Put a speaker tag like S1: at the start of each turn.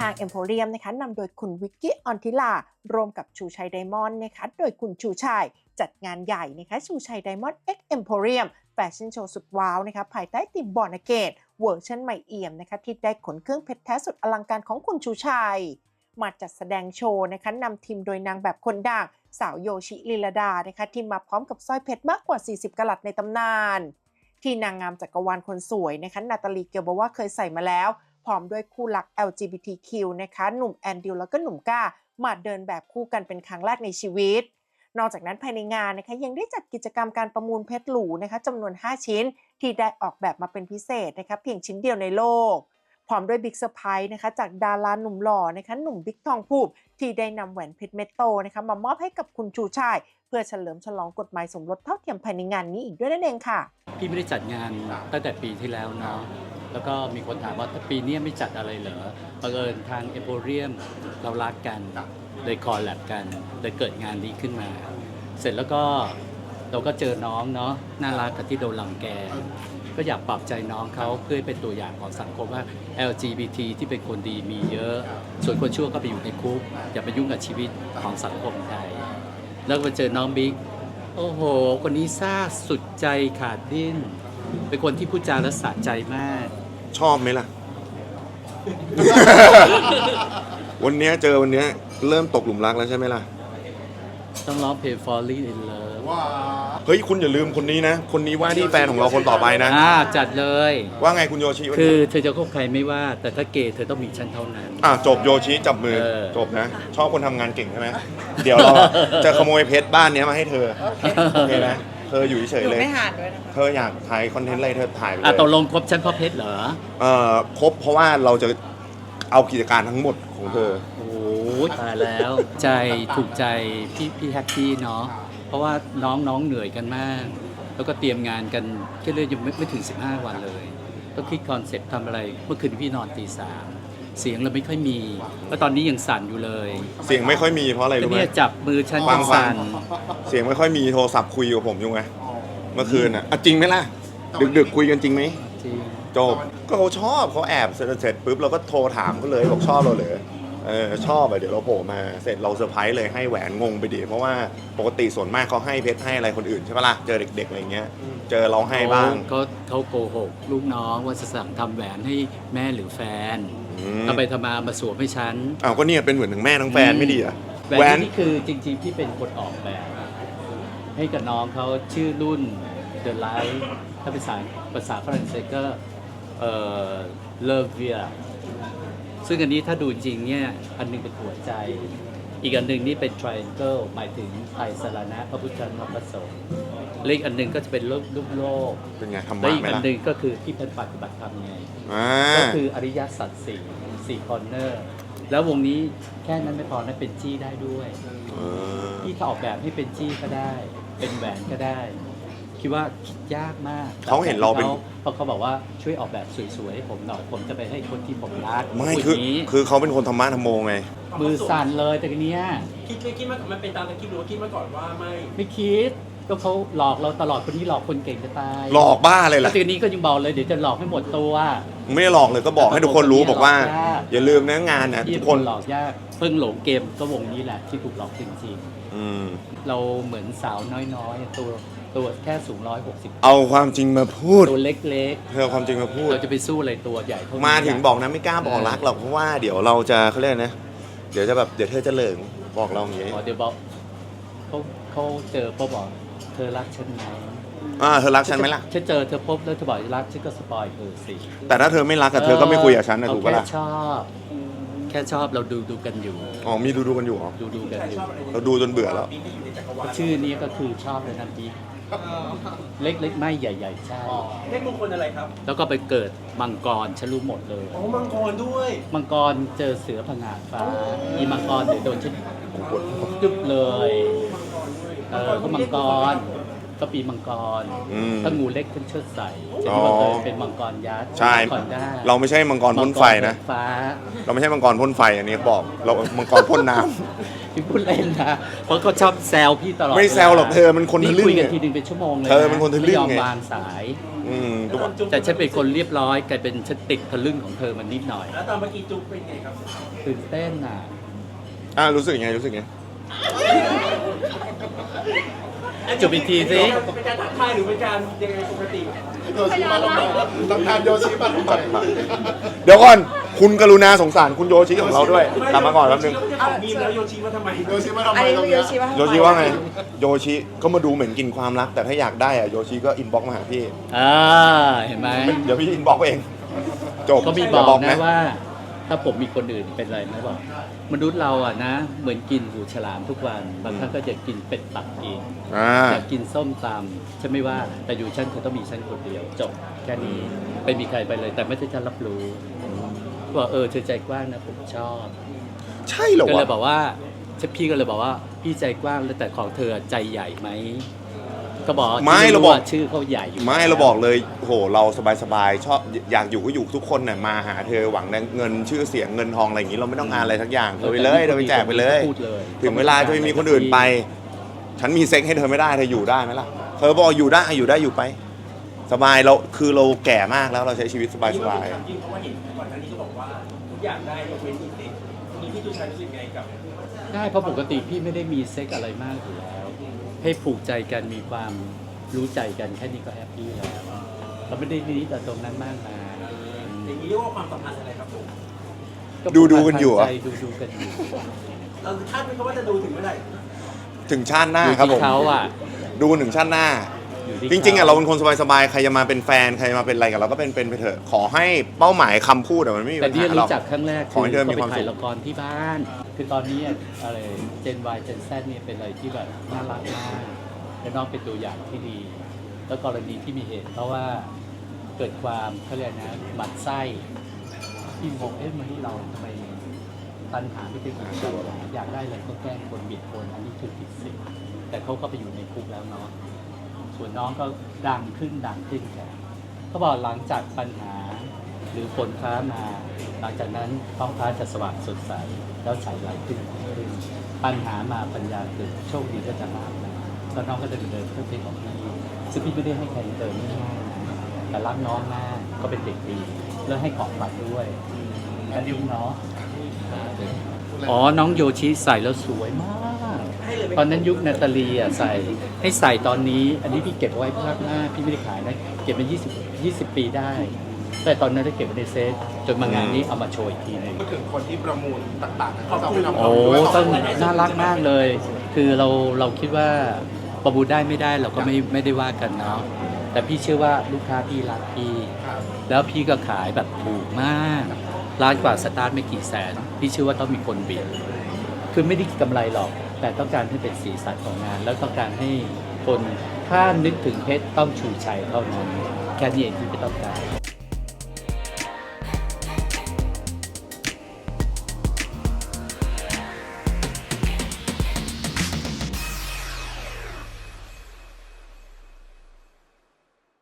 S1: างเอ็มโพเรียมนะคะนำโดยคุณวิกกี้ออนทิลารวมกับชูชัยไดมอนด์นะคะโดยคุณชูชัยจัดงานใหญ่นะคะชูชัยไดมอนด์ X Emporium แฟชั่นโชว์สุดว้าวนะคะภายใต้ธีมบอร์นเกตเวอร์ชันใหม่เอี่ยมนะคะที่ได้ขนเครื่องเพชรแท้สุดอลังการของคุณชูชัยมาจัดแสดงโชว์นะคะนำทีมโดยนางแบบคนดังสาวโยชิลีลาดานะคะที่มาพร้อมกับสร้อยเพชรมากกว่า40กะรัตในตำนานที่นางงามจักรวาลคนสวยนะคะนาตาลีเกียวบอกว่าเคยใส่มาแล้วพร้อมด้วยคู่รัก LGBTQ นะคะหนุ่มแอนดิวแล้วก็หนุ่มก้ามาเดินแบบคู่กันเป็นครั้งแรกในชีวิตนอกจากนั้นภายในงานนะคะยังได้จัดกิจกรรมการประมูลเพชรหรูนะคะจำนวน5ชิ้นที่ได้ออกแบบมาเป็นพิเศษนะคะเพียงชิ้นเดียวในโลกพร้อมด้วยบิ๊กเซอร์ไพรส์นะคะจากดาราหนุ่มหล่อนะคะหนุ่มบิ๊กทองภูมิที่ได้นำแหวนเพชรเม็ดโตนะคะมามอบให้กับคุณชูชัยเพื่อเฉลิมฉลองกฎหมายสมรสเท่าเทียมภายในงานนี้อีกด้วยนั่นเองค่ะ
S2: พี่ไม่ได้จัดงานตั้งแต่ปีที่แล้วเนาะแล้วก็มีคนถามว่าถ้าปีนี้ไม่จัดอะไรเหรอบังเอิญทางเอโพเรียมเรารักกันเลยคอลแลบกันเลยเกิดงานนี้ขึ้นมาเสร็จแล้วก็เราก็เจอน้องเนาะน่ารักกับที่โดนรังแกก็อยากปรับใจน้องเขาเพื่อเป็นตัวอย่างของสังคมว่า LGBT ที่เป็นคนดีมีเยอะส่วนคนชั่วก็ไปอยู่ในคุกอย่าไปยุ่งกับชีวิตของสังคมไทยแล้วก็มาเจอน้องบิ๊กโอ้โหคนนี้ซ่าสุดใจขาดดิ้นเป็นคนที่พูดจาและสะใจมาก
S3: ชอบไหมล่ะ วันนี้เจอวันนี้เริ่มตกหลุมรักแล้วใช่ไหมล่ะ
S2: ต้องร้องเพลง Falling in Love
S3: เฮ้ยคุณอย่าลืมคนนี้นะคนนี้ว่าที่แฟนของเราคนต่อไปนะ
S2: จัดเลย
S3: ว่าไงคุณโยชิ
S2: คือเธอจะคบใครไม่ว่าแต่ถ้าเกย์เธอต้องมีฉันเท่านั้น
S3: จบโยชิจับมือจบนะชอบคนทำงานเก่งใช่ไหมเดี๋ยวเราจะขโมยเพชรบ้านนี้มาให้เธอโอเคนะเธออยู่เฉยเลย
S4: ไม่ห่านด้วยนะคะ
S3: เธออยากถ่ายคอนเทนต์อะไรเธอถ่ายไปเลย
S2: ตกลงคบฉันเพราะเพชรเหรอ
S3: ครบเพราะว่าเราจะเอากิจการทั้งหมดของเธอ
S2: โอ้ตายแล้วใจถูกใจพี่แฮปปี้เนาะเพราะว่าน้องเหนื่อยกันมากแล้วก็เตรียมงานกันแค่เลยยังไม่ถึง15วันเลยต้องคิดคอนเซ็ปต์ทำอะไรเมื่อคืนพี่นอนตี 3เสียงเราไม่ค่อยมีแล้วตอนนี้ยังสั่นอยู่เลย
S3: เสียงไม่ค่อยมีเพราะอะไรรู้ไหม
S2: เนี่ยจับมือฉันสั่น
S3: เสียงไม่ค่อยมีโทรศัพท์คุยกับผมอยู่ไงเมื่อคืนจริงไหมล่ะดึกคุยกันจริงไหม
S2: จริง
S3: จบก็เขาชอบเขาแอบเสร็จปุ๊บเราก็โทรถามเขาเลยบอกชอบเราเลยชอบเดี๋ยวเราโผล่มาเสร็จเราเซอร์ไพรส์เลยให้แหวนงงไปดิเพราะว่าปกติส่วนมากเขาให้เพชรให้อะไรคนอื่นใช่ปะล่ะเจอเด็กๆอะไรเงี้ยเจอเราให้บ้าง
S2: เขาโกหกลูกน้องว่าจะสั่งทำแหวนให้แม่หรือแฟนทำไปทำมาสวมให้ฉัน
S3: ก็เนี่ยเป็นเหมือนทั้งแม่ทั้งแฟนไม่ดีอะ
S2: แหวนนี่คือจริงๆที่เป็นคนออกแบบให้กับน้องเขาชื่อรุ่น The Light ถ้าเป็นภาษาฝรั่งเศสก็เลเวียซึ่งอันนี้ถ้าดูจริงเนี่ยอันนึงเป็นหัวใจอีกอันนึงนี่เป็น triangle หมายถึงไตรสรณะพระพุทธธรรมพระสงฆ์เลขอันนึงก็จะเป็นรูปโลก
S3: เป็นไงทำมา
S2: และอีก
S3: อัน
S2: นึงก็คือที่เป็นปฏิบัติธรรมไงก็คืออริยสัจสี่คอร์เนอร์แล้ววงนี้แค่นั้นไม่พอนะเป็นจี้ได้ด้วยที่เขาออกแบบให้เป็นจี้ก็ได้เป็นแหวนก็ได้คิดว่าคิดยากมาก
S3: เขาเห็นเราเป็น
S2: เพราะเขาบอกว่าช่วยออกแบบสวยๆให้ผมหน่อยผมจะไปให้คนที่ผมรัก
S3: ไม่คือเขาเป็นคนธรรมะธรรมโมไง
S2: มือสั่นเลยแต่ทีเนี้ย
S4: คิดมามันเป็นตามที่คิดหรือว่าคิดมาก่อนว่าไม่
S2: คิดก็เขาหลอกเราตลอดคนนี้หลอกคนเก่งจะตาย
S3: หลอกบ้าเลยล่ะ
S2: ทีนี้ก็ยังบอกเลยเดี๋ยวจะหลอกให้หมดตัว
S3: ไม่ได้หลอกเลยก็บอกให้ทุกคนรู้บอกว่าอย่าลืมนะงานนะ
S2: ทุกคนหลอกยากเพิ่งหลงเกมก็วงนี้แหละที่ถูกหลอกจริงๆเราเหมือนสาวน้อยๆตัวแค่สูง160
S3: เอาความจริงมาพูด
S2: ตัวเล็ก
S3: ๆเอาความจริงมาพูด
S2: เราจะไปสู้อะไรตัวใหญ่
S3: มาถึงบอกนะไม่กล้าบอกรักหรอกเพราะว่าเดี๋ยวเราจะเขาเรียกนะเดี๋ยวจะแบบเดี๋ยวเธอจะเหลิงบอกเราอย่างนี้
S2: เดี๋ยวบอกเขาเจอพบบอกเธอรักฉันไหม
S3: เธอรักฉันไหมล่ะ
S2: ฉันเจอเธอพบแล้วเธอบอกรักฉันก็สปอยเธอสิ
S3: แต่ถ้าเธอไม่รักเธอก็ไม่คุยกับฉันนะถูกปะล่ะ
S2: แค่ชอบเราดูกันอยู่
S3: มีดูกันอยู่เหรอ
S2: ดูกันอยู่
S3: เราดูจนเบื่อแล้ว
S2: ชื่อนี้ก็คือชอบเลยนะพี่เล็กๆไม่ใหญ่ๆใช่
S4: เลขมงคลอะไรครับ
S2: แล้วก็ไปเกิดมังกรฉันรู้หมดเลย
S4: มังกรด้วย
S2: มังกรเจอเสือผงาดฟ้าอีมังกรเดี๋ยวโดนฉันจุบเลยก็มังกรก็ปีมังกร
S3: อืม
S2: ถ้างูเล็กขึ้นเชิดใส่จะ
S3: อ๋อ
S2: ที่ว่าเคยเป็นมังกรยักษ์
S3: ใช่
S2: มังกรได้
S3: เราไม่ใช่มังกรพ่นไฟนะ
S2: มังกรฟ้า
S3: เราไม่ใช่มังกรพ่นไฟอันนี้เขาบอกเรามังกรพ่นน้ำ
S2: พี่พูดเล่นนะเพราะเขาชอบแซวพี่ตลอด
S3: ไม่แซวหรอกเธอมันคนทะลึ่ง
S2: คุยกัน
S3: ไง
S2: ทีนึงเป็นชั่วโมงเลย
S3: เธอมันคนทะลึ่ง
S2: ไม่ยอม
S3: ไง
S2: วางสาย
S3: ก็บอก
S2: แต่ฉันเป็นคนเรียบร้อยกลายเป็นฉันติดทะลึ่งของเธอมันนิดหน่อย
S4: แล้วตอนเมื่อกี้จุ๊บเป็นไงครับ
S2: ตื่นเต้นอ่ะ
S3: รู้สึกยังไงรู้สึกยังไง
S2: จุบอีกทีสิ
S4: เป็นการทักทายหรือเป็นการยังไงปกติ
S5: โยชิมาทำไมต้องทานโยชิมาทำไม
S3: เดี๋ยวก่อนคุณกรุณาสงสารคุณโยชิของเราด้วยกลับมาก่อนแป๊บนึง
S4: โยชิก็เป็นของมีมแล้วโยชิมาทำไม
S5: โยชิมาทำไม
S6: อันนี้
S5: ตรง
S6: คือโย
S5: เนี้ย
S6: ชิว่า
S3: โยชิว่าไงโยชิก็มาดูเหมือนกินความรักแต่ถ้าอยากได้อะโยชิก็อินบ็อกมาหาพี่
S2: เห็นไหม
S3: เดี๋ยวพี่อินบ็อกเองจบ
S2: ก็มี
S3: ย่า
S2: บอกนะว่า ถ้าผมมีคนอื่นเป็นไรไหมบอก มนุษย์เราอ่ะนะ เหมือนกินหูฉลามทุกวัน บางครั้งก็จะกินเป็ดปักกิ่ง อยากกินส้มตำฉันไม่ว่า แต่อยู่ฉันเธอต้องมีฉันคนเดียว จบแค่นี้ไม่มีใครไปเลย แต่ไม่ได้ฉันรับรู้ว่าเธอใจกว้างนะผมชอบ
S3: ใช่เหรอ
S2: ก็เล
S3: วะ
S2: ยบอกว่าพี่ก็เลยบอกว่าพี่ใจกว้างแล้วแต่ของเธอใจใหญ่ไหมก็บอก
S3: ไม่เราบอก
S2: ว่าชื่อเขาใหญ่อยู่
S3: ไม่เราบอกเลยโหเราสบายๆชอบอยากอยู่ก็อยู่ทุกคนน่ะมาหาเธอหวังเงินชื่อเสียงเงินทองอะไรอย่างนี้เราไม่ต้องการอะไรทักอย่างเธอไปเลยเธอไปแจกไปเลย
S2: พูดเลย
S3: ถึงเวลาจะไม่มีคนอื่นไป ฉันมีเซ็กให้เธอไม่ได้เธออยู่ได้ไหมล่ะเธอบอกอยู่ได้อยู่ไป สบายเราคือเราแก่มากแล้วเราใช้ชีวิตสบาย
S4: ยิ่งเพราะว่าเห็นก่อนหน้านี้ก็บอกว่าทุกอย่างได้ยกเว้นอีกเด็กมีพี่ตุชัยรู้สึกไงกับ
S2: ได้เพราะปกติพี่ไม่ได้มีเซ็กอะไรมากอยู่แล้ว ให้ผูกใจกันมีความรู้ใจกันแค่นี้ก็แฮปปี้แล้วเราไม่ได้นิดแต่ตรงนั้นมากมาย
S4: อย่างนี้เรียกว่าความสัมพันธ์อะไรครับผม
S3: ดูกันอยู่เหรอ
S2: ดูกันอยู่
S4: เราคาดไหมครับว่าจะดูถึงเมื่อไหร่
S3: ถึงชาติหน้า
S2: อยู่
S3: ครับผ
S2: ที่
S3: ม
S2: เขาอ่ะ
S3: ดูกันถึงชาติหน้า
S2: อยู่ที่
S3: จริงๆอ่ะเราเป็นคนสบายๆใครจะมาเป็นแฟนใครมาเป็นอะไรกับเราก็เป็นไปเถอะขอให้เป้าหมายคำพูดอะมันไม่มี
S2: แต่
S3: ปัญ
S2: ที่
S3: หาหรอก
S2: รู้จักครั้งแรก
S3: ขอให้เธอมี
S2: ก็
S3: ความสุข
S2: ไปถ่ายละครที่บ้าน คือตอนนี้อะไรเจน Y เจน Z เนี่ยเป็นอะไรที่แบบน่ารักมากและน้องเป็นตัวอย่างที่ดี แล้วกรณีที่มีเหตุ เพราะว่าเกิดความเขาเรียกนะหมั่นไส้ที่งงมนุษย์เราทำไมตัณหาไม่เป็นอิสระอยากได้อะไรก็แกล้งคนบิดคนอันนี้คือผิดศีลแต่เขาก็ไปอยู่ในคุกแล้วเนาะส่วนน้องก็ดังขึ้นกันเขาบอกหลังจากปัญหาหรือฝนฟ้ามา หลังจากนั้นท้องฟ้าจะสว่างสดใสแล้วใสไหลขึ้นปัญหามาปัญญาเกิดโชคดีก็จะมากนะแล้วน้องก็จะเดินเพื่อเพลงของพี่ซึ่งพี่ไม่ได้ให้ใครเดินง่ายๆนะแต่รักน้องมากก็เป็นเด็กดีแล้วให้ของขวัญด้วยกันดิวเนาะอ๋อน้องโยชิใส่แล้วสวยมาก ตอนนั้นยุคนาตาลีอ่ะใส่ให้ใส่ตอนนี้ อันนี้พี่เก็บไว้ภาคหน้าพี่ไม่ได้ขายนะเก็บมา20 ปีได้ แต่ตอนนั้นได้เก็บไว้ในเซฟจนมางานนี้เอามาโชว์อีกทีหนึง
S5: พูดถึงคนที่ประมูลต่างๆเขาจะเอาไปทำ
S2: โอ้
S5: ด้วย
S2: ต้องน่ารักมากเลย คือเราคิดว่าประมูลได้ไม่ได้เราก็ไม่ได้ว่ากันเนาะแต่พี่เชื่อว่าลูกค้าพี่รักพี่
S5: ครับ
S2: แล้วพี่ก็ขายแบบถูกมากร้านกว่าสตาร์ทไม่กี่แสน พี่เชื่อว่าต้องมีคนบิดคือไม่ได้กำไรหรอก แต่ต้องการให้เป็นสีสันของงาน แล้วต้องการให้คนถ้านึกถึงเพชรต้องชูชัยเท่านั้นแค่นี้เองที่ไม่ต้องการ